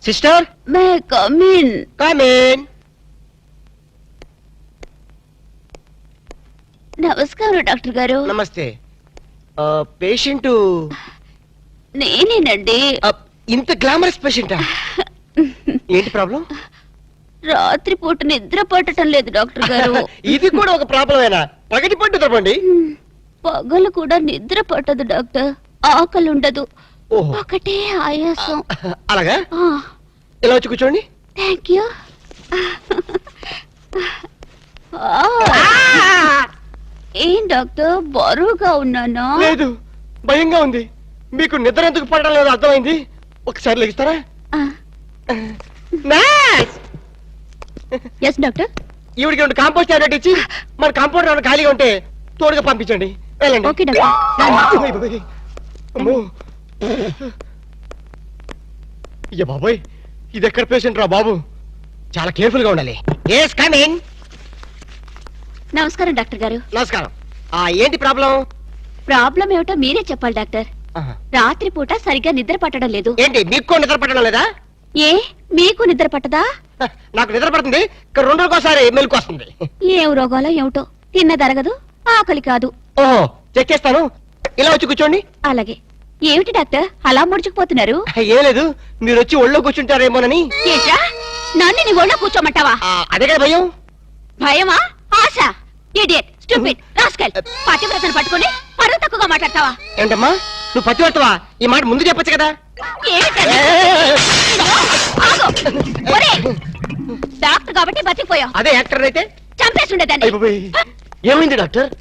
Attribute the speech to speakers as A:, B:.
A: Sister
B: may come in.
A: Come in.
B: నమస్కారం doctor garu.
A: నమస్తే. Patient
B: నేనేనండి.
A: ఇంత గ్లామరస్ పేషెంటా? ఏంటి ప్రాబ్లం?
B: రాత్రిపూట నిద్ర పట్టడం లేదు డాక్టర్ గారు.
A: ఇది కూడా ఒక ప్రాబ్లమేనా? పగటి పట్టు తప్పండి.
B: పగలు కూడా నిద్ర పట్టదు డాక్టర్. ఆకలి ఉండదు.
A: ఓహో.
B: ఒకటే ఆయాసం.
A: అలాగా? ఇలా వచ్చి కూర్చోండి.
B: Thank you. ఏం డాక్టర్ బరువుగా ఉన్నానా?
A: లేదు, భయంగా ఉంది. మీకు నిద్ర ఎందుకు పడడం లేదు అర్థమైంది. ఒకసారి లెగిస్తారా?
B: Yes doctor.
A: ఈవిడికి రెండు కాంపోస్ట్ టాబ్లెట్ ఇచ్చి మన కాంపౌండ్ ఏమైనా ఖాళీగా ఉంటే తోడుగా పంపించండి. వెళ్ళండి.
B: Okay doctor.
A: అమ్మో. అయ్య బాబోయ్, ఇది ఎక్కడ పేషెంట్ రా బాబు? చాలా కేర్ఫుల్ గా ఉండాలి. Yes coming.
B: నమస్కారం డాక్టర్ గారు.
A: నమస్కారం. ఏంటి ప్రాబ్లం?
B: ప్రాబ్లం ఏమిటో మీరే చెప్పాలి డాక్టర్. రాత్రిపూట సరిగ్గా నిద్ర పట్టడం లేదు.
A: ఏంటి మీకు నిద్ర పట్టడం లేదా?
B: ఏ మీకు నిద్ర పట్టదా?
A: నాకు నిద్ర పడుతుంది, 2 రోజుకోసారి మెలకు వస్తుంది.
B: ఏం రోగాలో ఏమిటో. తిన్నదరగదు, ఆకలి కాదు.
A: ఓహో, చెక్ చేస్తాను. ఇలా వచ్చి కూర్చోండి.
B: అలాగే. ఏమిటి డాక్టర్ అలా ముడుచుకుపోతున్నారు?
A: ఏం లేదు, మీరు వచ్చి ఒళ్ళో కూర్చుంటారేమోనని.
B: ఏంట్రా, నన్ను నీ ఒళ్ళో కూర్చోమంటావా?
A: అదే కదా భయం.
B: భయమా? ఆశ? Idiot, stupid, rascal. పతివ్రతను పట్టుకొని పరువు తక్కువగా మాట్లాడతావా?
A: ఏంటమ్మా, నువ్వు పతివర్తవా? ఈ మాట ముందు చెప్పొచ్చు కదా.
B: డాక్టర్ కాబట్టి బతికిపోయావు.
A: అదే యాక్టర్ అయితే
B: చంపేసి ఉండేదాన్ని.
A: ఏమైంది డాక్టర్?